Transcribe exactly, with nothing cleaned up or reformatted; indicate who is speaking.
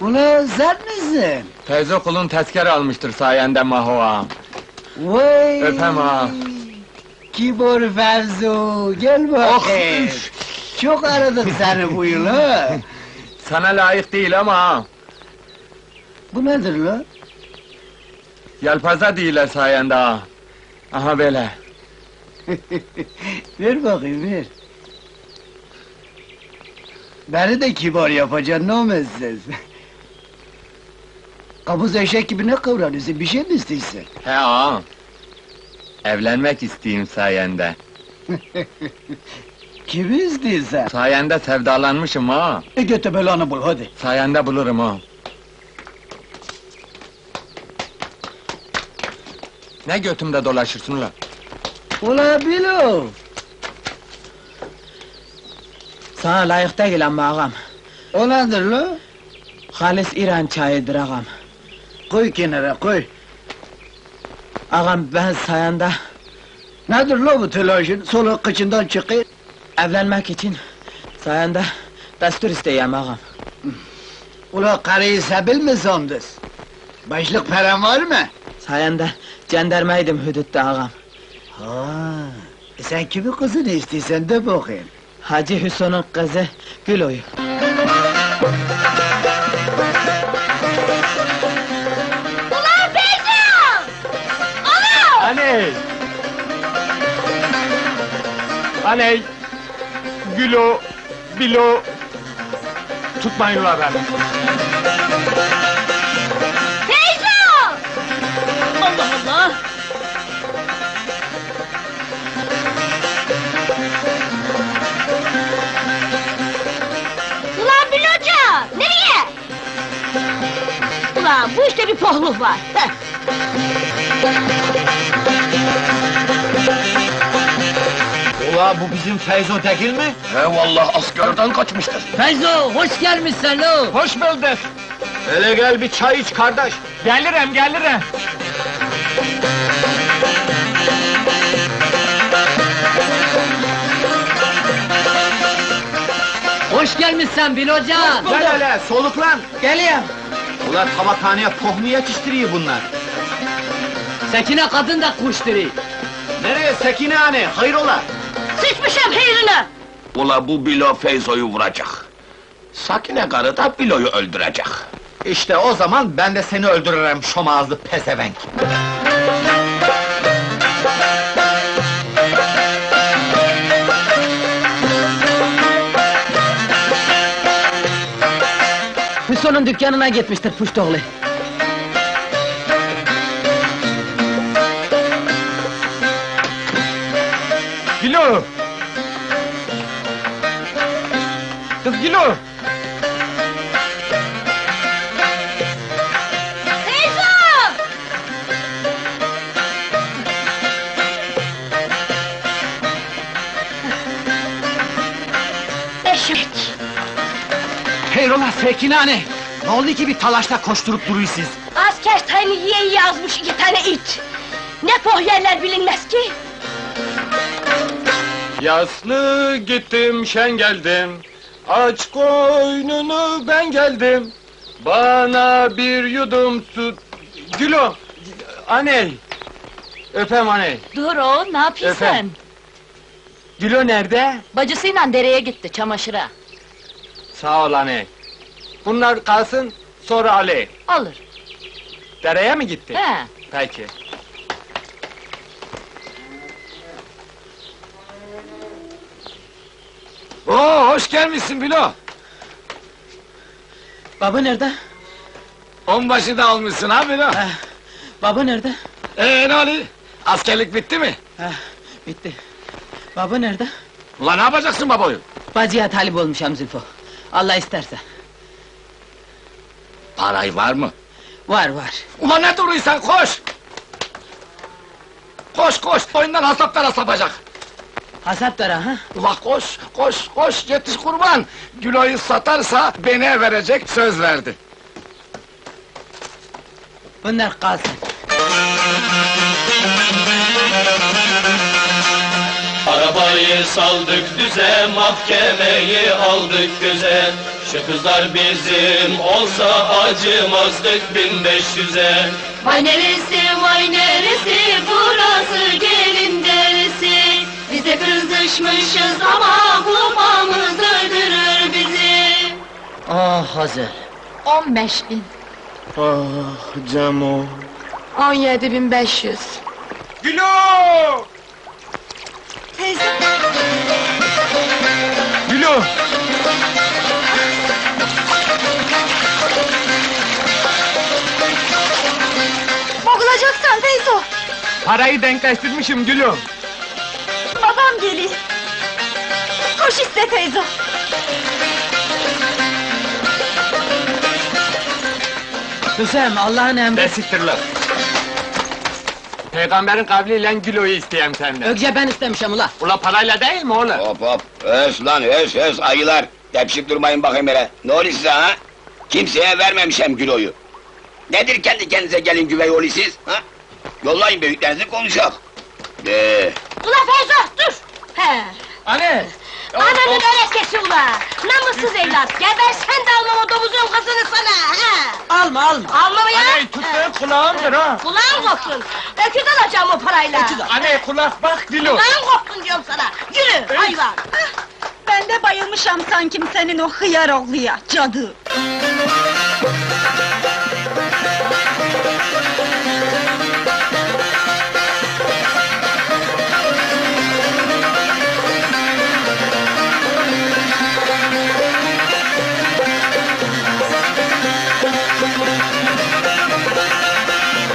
Speaker 1: Ulan sen misin?
Speaker 2: Teyze kulun tezkere almıştır sayende Maho ağam.
Speaker 1: Vay!
Speaker 2: Öpem ağa.
Speaker 1: Kibor Fevzu, gel bakayım. Çok aradık seni bu yıl ha.
Speaker 2: Sana layık değil ama ağam.
Speaker 1: Bu nedir lan?
Speaker 2: Yelpaze değiller sayende ağam. Aha böyle.
Speaker 1: Ver bakayım, ver. Beni de kibar yapacaksın, ne olmazsın? Kabuz eşek gibi ne kıvranıyorsun, bir şey mi istiyorsun?
Speaker 2: He ağam. Evlenmek isteyeyim sayende.
Speaker 1: Kimi istiyorsun?
Speaker 2: Sayende sevdalanmışım ağam.
Speaker 1: E götü belanı bul, hadi.
Speaker 2: Sayende bulurum ağam. Ne götümde dolaşırsın ulan?
Speaker 1: Ula Bilo!
Speaker 3: Sana layık değil ama ağam.
Speaker 1: O nedir lan?
Speaker 3: Halis İran çayıdır ağam.
Speaker 1: Koy kenara, koy.
Speaker 3: Ağam ben sayende
Speaker 1: Nedir lan bu telaşın? Soluk kıçından çıkıyor.
Speaker 3: evlenmek için sayende destur isteyeyim ağam.
Speaker 1: Ula karıyı sebil mi sandın? Başlık paran var mı?
Speaker 3: Sayende cendermeydim hudutta ağam.
Speaker 1: Ha, e sen kimin kızını istiyorsan de bakayım.
Speaker 3: Hacı Hüsnü'nün kızı Gülo'yu.
Speaker 4: Ulan Beyza! Ana!
Speaker 2: Aney! Aney! Gülo, bilo... Tutmayın ulan beni!
Speaker 4: Beyza! Allah Allah! Ulan Biloca! Nereye? Ulan bu işte bir pohluk var. Heh.
Speaker 1: Ula bu bizim Feyzo Tekil mi?
Speaker 5: He vallahi askerden kaçmıştır.
Speaker 3: Feyzo hoş gelmişsin lo.
Speaker 2: Hoş bulduk!
Speaker 1: Hele gel bir çay iç kardeş.
Speaker 2: Gelirim, gelirim!
Speaker 3: Hoş gelmişsin Bilocan.
Speaker 1: Gel hele soluklan.
Speaker 3: Geliyorum.
Speaker 1: Ula tabakhaneye pohmu yetiştiriyor bunlar.
Speaker 3: Sekine kadın da kuşturi.
Speaker 1: Nereye Sekine hani? Hayrola?
Speaker 4: Sıçmışım hayrına!
Speaker 5: Ula bu Bilo Feyzo'yu vuracak. Sakine karı da Bilo'yu öldürecek.
Speaker 1: İşte o zaman ben de seni öldürürüm şom ağızlı pezevenk.
Speaker 3: Hüsnü'nün dükkanına gitmiştir puştoğlu.
Speaker 2: Gülo! Kız Gülo!
Speaker 4: Beyza! Eşek!
Speaker 1: Hayrola Sekine hani? Ne oldu ki bir talaşta koşturup duruyorsunuz?
Speaker 4: Asker tayını yiye yiye yazmış iki tane it! Ne poh yerler bilinmez ki!
Speaker 2: Yaslı gittim, şen geldim. Aç koynunu ben geldim. Bana bir yudum su... Gülo! Aney! Öpem aney!
Speaker 4: Dur o, ne yapıyorsun?
Speaker 2: Efendim? Gülo nerede?
Speaker 4: Bacısıyla dereye gitti, çamaşıra.
Speaker 2: Sağ ol aney! Bunlar kalsın, sonra Ali.
Speaker 4: Alır.
Speaker 2: Dereye mi gitti?
Speaker 4: He.
Speaker 2: Peki.
Speaker 5: Oo hoş gelmişsin Bilo.
Speaker 3: Baba nerede?
Speaker 5: Onbaşı da almışsın ha Bilo.
Speaker 3: Heh, baba nerede?
Speaker 5: Ee ne oluyor? Askerlik bitti mi?
Speaker 3: Heh, bitti. Baba nerede?
Speaker 5: Ulan ne yapacaksın babayı?
Speaker 3: Bacıya talip olmuşam Zülfü. Allah isterse.
Speaker 5: Parayı var mı?
Speaker 3: Var var.
Speaker 5: Ulan ne duruyorsun koş! Koş koş, boyundan hasaplara sapacak!
Speaker 3: Hasap dara ha?
Speaker 5: Ulan koş, koş, koş, yetiş kurban! Gülo'yu satarsa beni verecek, söz verdi.
Speaker 3: Bunlar kalsın.
Speaker 6: Arabayı saldık düze, mahkemeyi aldık göze. Şu kızlar bizim olsa acımazdık bin beş yüze.
Speaker 4: Vay neresi vay neresi burası gelin derisi. Biz de kızışmışız ama kupamız öldürür bizi.
Speaker 3: Ah Hazel.
Speaker 4: On beş bin.
Speaker 3: Ah Cemo.
Speaker 4: On yedi bin beş yüz.
Speaker 2: Gülo!
Speaker 4: Teyze.
Speaker 2: Gülo!
Speaker 4: Boğulacaksan Feyzo.
Speaker 2: Parayı denkleştirmişim Gülüm.
Speaker 4: Babam geliyor. Koş iste Feyzo.
Speaker 3: Hüsem Allah'ın emri.
Speaker 2: Besiktir lan. Peygamberin kavliyle Gülo'yu isteyem senden.
Speaker 3: Önce ben istemişim ula.
Speaker 2: Ula parayla değil mi oğlum?
Speaker 7: Hop hop, öz lan öz öz ayılar! Tepşik durmayın bakayım hele! Ne oluyor size ha? Kimseye vermemişem Gülo'yu! Nedir kendi kendinize gelin güvey oğlu siz, ha? Yollayın büyüklerinizi konuşak! De.
Speaker 4: Ula Feyzo dur. He.
Speaker 3: Anne.
Speaker 4: Ananın örekesi ula! Namussuz evlat! Geber sen de alma o domuzun kızını sana! He!
Speaker 3: Alma alma.
Speaker 4: Alma mı ya?
Speaker 2: Aney tuttuğun kulağımdır ha!
Speaker 4: Kulağın kopsun! Öküz alacağım o parayla!
Speaker 2: Aney kulak bak Gülo!
Speaker 4: Kulağın kopsun diyorum sana! Yürü hayvan!
Speaker 8: Ben de bayılmışam sanki senin o hıyar oğluya, cadı!